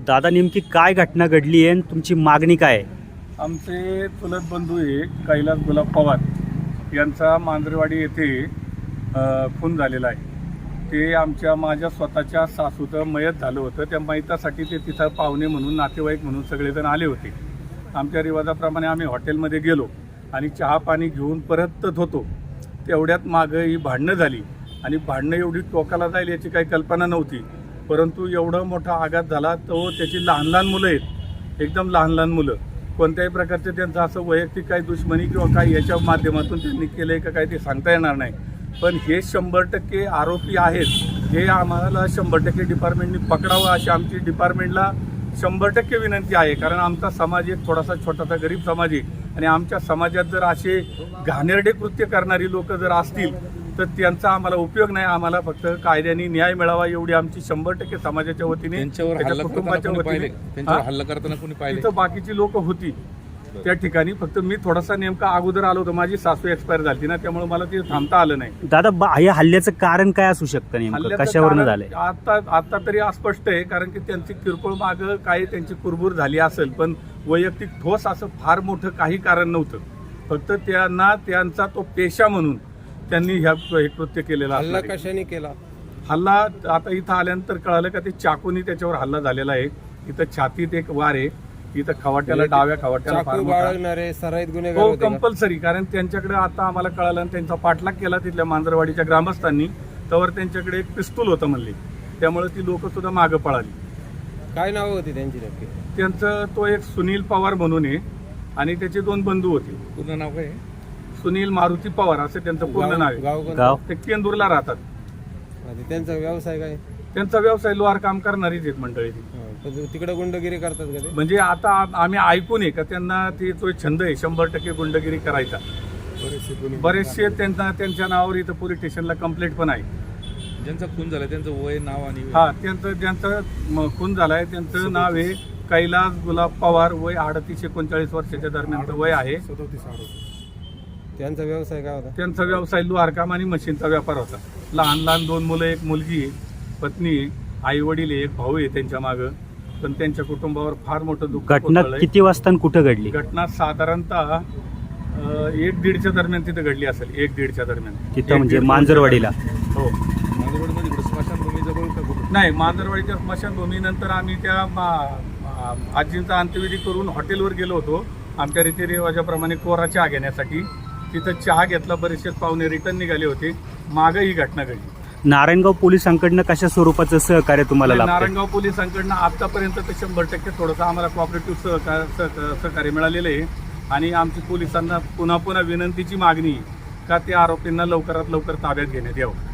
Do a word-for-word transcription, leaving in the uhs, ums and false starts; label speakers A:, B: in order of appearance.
A: दादा नेमकी काय घटना घडली आहे आणि तुमची मागणी काय आहे?
B: आमचे चुलत बंधू आहे कैलास गुलाब पवार यांचा मांजरेवाडी येथे अ, खून झालेला आहे. ते आमच्या माझ्या स्वतःच्या सासूचं मयत झालं होतं. त्या मयतासाठी ते तिथं पाहुणे म्हणून नातेवाईक म्हणून सगळेजण आले होते. आमच्या रिवाजाप्रमाणे आम्ही हॉटेलमध्ये गेलो आणि चहा पाणी घेऊन परतत होतो. तेवढ्यात मागं ही भांडणं झाली आणि भांडणं एवढी टोकाला जाईल याची काही कल्पना नव्हती. परंतु एवढा मोठा आघात झाला तो त्याची लहान लहान मुलं आहेत, एकदम लहान लहान मुलं. कोणत्याही प्रकारचे त्यांचं असं वैयक्तिक काही दुश्मनी किंवा काही याच्या माध्यमातून त्यांनी केलं आहे का काही ते सांगता येणार नाही. पण हे शंभर टक्के आरोपी आहेत, हे आम्हाला शंभर टक्के डिपार्टमेंटनी पकडावं अशी आमची डिपार्टमेंटला शंभर टक्के विनंती आहे. कारण आमचा समाज एक थोडासा छोटासा गरीब समाज आहे आणि आमच्या समाजात जर असे घाणेरडे कृत्य करणारी लोक जर असतील तर त्यांचा आम्हाला उपयोग नाही. आम्हाला फक्त कायद्याने न्याय मिळावा एवढी आमची शंभर टक्के समाजाच्या वतीने त्याच्या कुटुंबाच्या वतीने
C: हल्ला करताना कोणी पाहिले?
B: तिथं बाकीची लोक होती त्या ठिकाणी. फक्त मी थोडासा नेमका अगोदर आलो होतो, माझी सासू एक्सपायर झाली ना, त्यामुळे मला ते थांबता आलं नाही.
A: दादा बा- या हल्ल्याचं कारण काय असू शकतं नेमकं?
B: हल्ल्याचं
A: कशावरनं
B: कारण
A: झालंय?
B: आता आता तरी अस्पष्ट आहे, कारण की त्यांची किरकोळ मागं काही त्यांची कुरबूर झाली असेल, पण वैयक्तिक ठोस असं फार मोठं काही कारण नव्हतं. फक्त त्यांना त्यांचा तो पेशा म्हणून त्यांनी ह्या हे कृत्य केलेला.
C: हल्ला कशाने केला?
B: हल्ला आता इथं आल्यानंतर कळालं का ते चाकूनी त्याच्यावर हल्ला झालेला आहे. इथं छातीत एक वार आहे, इथं खवाट्याला डाव्या खवाट्याला फार
C: चाकू
B: मोठा.
C: बाळगणारे सराईत गुन्हेगार
B: हो
C: होते का?
B: कंपल्सरी, कारण त्यांच्याकडे आता आम्हाला कळालं आणि त्यांचा पाठलाग केला तिथल्या मांजरवाडीच्या ग्रामस्थांनी, तर त्यांच्याकडे एक पिस्तूल होतं म्हणले, त्यामुळे ती लोक सुद्धा मागं पळाली.
C: काय नाव होती त्यांची नक्की?
B: त्यांचं तो एक सुनील पवार म्हणून आहे आणि त्याचे दोन बंधू होते.
C: पूर्ण नाव काय?
B: सुनील मारुती पवार असं त्यांचं पूर्ण नाव आहे.
C: गाव कोणतं?
A: गाव
B: ते केंदूरला राहतात.
C: आणि त्यांचा व्यवसाय काय?
B: त्यांचा व्यवसाय लोहार काम करणारीच एक मंडळी ती.
C: हा, पण तिकडे गुंडगिरी करतात का ते?
B: म्हणजे आता आम्ही ऐकून आहे का त्यांना ती तो छंद आहे शंभर टक्के गुंडगिरी करायचा. बरेचसे त्यांना त्यांच्या नावावर इथं पोलीस स्टेशनला कंप्लेंट पण आहे.
C: ज्यांचा खून झाला त्यांचं वय, नाव आणि
B: हा त्यांचं ज्यांचं म- खून झालाय त्यांचं नाव आहे कैलास गुलाब पवार, वय अडतीस एकोणचाळीस वर्षाच्या दरम्यानचं वय आहे.
C: त्यांचा व्यवसाय काय होता?
B: त्यांचा व्यवसाय लोहारकाम आणि मशीनचा व्यापार होता. लहान लहान दोन मुलं, एक मुलगी आहे, पत्नी आहे, आई वडील आहे, एक भाऊ आहे त्यांच्या मागं. पण त्यांच्या कुटुंबावर फार मोठं दुःख
A: घटना
B: कोसळलंय.
A: किती वाजता आणि कुठं घडली?
B: घटना साधारणतः अं, एक दीडच्या दरम्यान तिथं घडली असेल, एक दीडच्या दरम्यान.
A: तिथं
B: एक
A: म्हणजे
B: दीड
A: मांजरवाडीला?
B: हो
C: मांजरवाडीमध्ये इकडे स्मशानभूमी जवळ का कुठं?
B: नाही, मांजरवाडीच्या स्मशानभूमीनंतर आम्ही त्या मा- आ- आजींचा अंत्यविधी करून हॉटेलवर गेलो होतो आमच्या रीतिरिवाजाप्रमाणे कोरा चहा घेण्यासाठी. तिथं चहा घेतला, बरेचसे पाहुणे रिटर्न निघाले होते. मागं ही घटना घडली.
A: नारायणगाव पोलिसांकडनं कशा स्वरूपाचं सहकार्य तुम्हाला लाभतं?
B: नारायणगाव पोलिसांकडनं आतापर्यंत तर शंभर टक्के थोडंसं आम्हाला कॉपरेटिव्ह सहकार सह- सहकार्य मिळालेलं आहे. आणि आमची पोलिसांना पुन्हा पुन्हा विनंतीची मागणी आहे का त्या आरोपींना लवकरात लवकर ताब्यात घेण्यात यावं.